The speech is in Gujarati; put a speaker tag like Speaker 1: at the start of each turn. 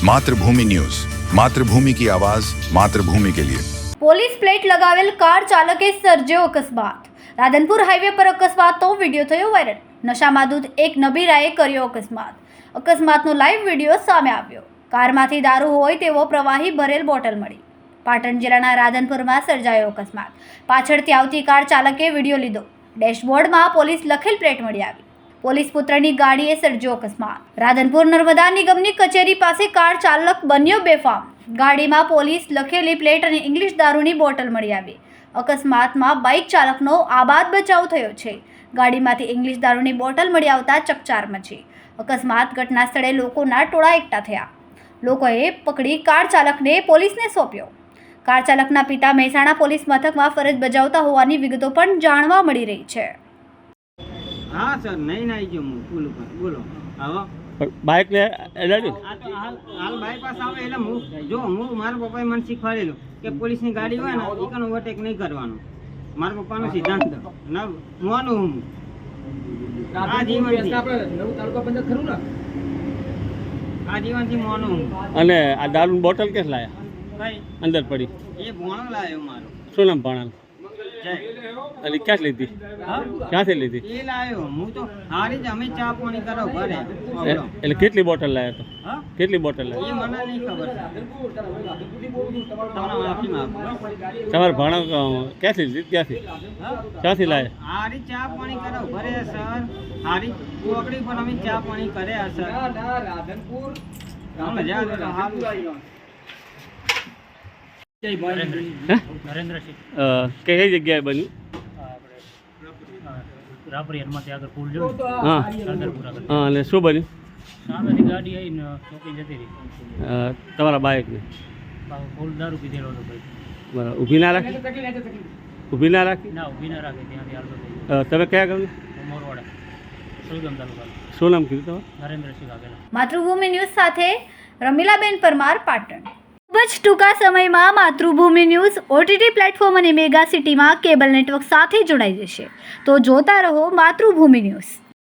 Speaker 1: मातृभूमि न्यूज, मातृभूमि की आवाज, मातृभूमि के लिए।
Speaker 2: પોલીસ પ્લેટ લગાવેલ કાર ચાલકે સર્જ્યો અકસ્માત। રાધનપુર હાઈવે પર અકસ્માતનો વિડીયો થયો વાયરલ। નશામાં ધૂત એક નબીરાએ કર્યો અકસ્માતનો લાઈવ વિડીયો સામે આવ્યો। કારમાંથી દારૂ હોય તેવો પ્રવાહી ભરેલ બોટલ મળી। પાટણ જિલ્લાના રાધનપુરમાં સર્જાયો અકસ્માત। પાછળથી આવતી કાર ચાલકે વિડીયો લીધો। ડેશબોર્ડમાં પોલીસ લખેલ પ્લેટ મળી આવી। પોલીસ પુત્રની ગાડીએ સર્જ્યો અકસ્માત। રાધનપુર નર્મદા નિગમની કચેરી પાસે કાર ચાલક બન્યો બેફામ। ગાડીમાં પોલીસ લખેલી પ્લેટ અને ઇંગ્લિશ દારૂની બોટલ મળી આવી। અકસ્માતમાં બાઇક ચાલકનો આબાદ બચાવ થયો છે। ગાડીમાંથી ઇંગ્લિશ દારૂની બોટલ મળી આવતા ચકચાર મચી। અકસ્માત ઘટના સ્થળે લોકોના ટોળા એકઠા થયા। લોકોએ પકડી કાર ચાલકને પોલીસને સોંપ્યો। કાર ચાલકના પિતા મહેસાણા પોલીસ મથકમાં ફરજ બજાવતા હોવાની વિગતો પણ જાણવા મળી રહી છે।
Speaker 3: हाँ सर नहीं नहीं जो पुल पर बोलो आવો
Speaker 4: બાઇક ને એડાડ્યું
Speaker 3: હાલ બાયપાસ આવે એટલે હું જો હું મારા પપ્પાએ મને શીખવાડેલું કે પોલીસની ગાડી હોય ને એકાનો ઓવરટેક નહીં કરવાનો। મારા પપ્પાનો સિદ્ધાંત ના મોનું હું આ જીવનથી આપણે નવું તાલુકા પંચાયત ખરું ને આ જીવનથી મોનું હું।
Speaker 4: અને આ દારૂની બોટલ કે લાયા
Speaker 3: ભાઈ
Speaker 4: અંદર પડી
Speaker 3: એ ભોણો લાવ્યો મારો।
Speaker 4: શું નામ ભણાલ
Speaker 3: જય
Speaker 4: અને ક્યાં લીધી
Speaker 3: હા
Speaker 4: ક્યાંથી લીધી
Speaker 3: એ લાવ્યો હું તો હારી જ અમે ચા પાણી કરો ઘરે બોલો।
Speaker 4: એટલે કેટલી બોટલ લાયા તો
Speaker 3: હા
Speaker 4: કેટલી બોટલ
Speaker 3: એ
Speaker 4: લાયા
Speaker 3: મને નહીં ખબર તમને માફી માંગુ।
Speaker 4: તમારે ભણા ક્યાંથી લીધી ક્યાંથી
Speaker 3: હા
Speaker 4: ક્યાંથી લાયા
Speaker 3: હારી ચા પાણી કરો ઘરે સર હારી ચોકડી પર અમે ચા પાણી કર્યા સર રાધનપુર મજા આવે।
Speaker 5: નરેન્દ્રસિંહ
Speaker 4: કઈ જગ્યાએ બન્યું
Speaker 5: રાપરી હનુમાનથી આગળ પુલ જો
Speaker 4: હા
Speaker 5: રાધનપુર આગળ
Speaker 4: હા અને શું બન્યું
Speaker 5: સામેથી ગાડી આવીને ચોકી જતી રહી।
Speaker 4: તમારા બાઇકને
Speaker 5: ફૂલ દારૂ પીધેલો હતો ભાઈ।
Speaker 4: બરાબર ઊભી ના રાખી ઊભી ના રાખી
Speaker 5: ના ઊભી ના રાખે ત્યાંથી હાલતો થઈ
Speaker 4: તમે કયા ગામના
Speaker 5: મોરવાડા સુલગમ તાલુકા।
Speaker 4: શું નામ કીધું તમારે
Speaker 5: નરેન્દ્રસિંહ વાઘેલા।
Speaker 2: માતૃભૂમિ ન્યૂઝ સાથે રમીલાબેન પરમાર, પાટણ। ખૂબ જ ટૂંકા સમયમાં માતૃભૂમિ ન્યૂઝ ઓટીટી પ્લેટફોર્મ અને મેગા સિટીમાં કેબલ નેટવર્ક સાથે જોડાઈ જશે। તો જોતા રહો માતૃભૂમિ ન્યૂઝ।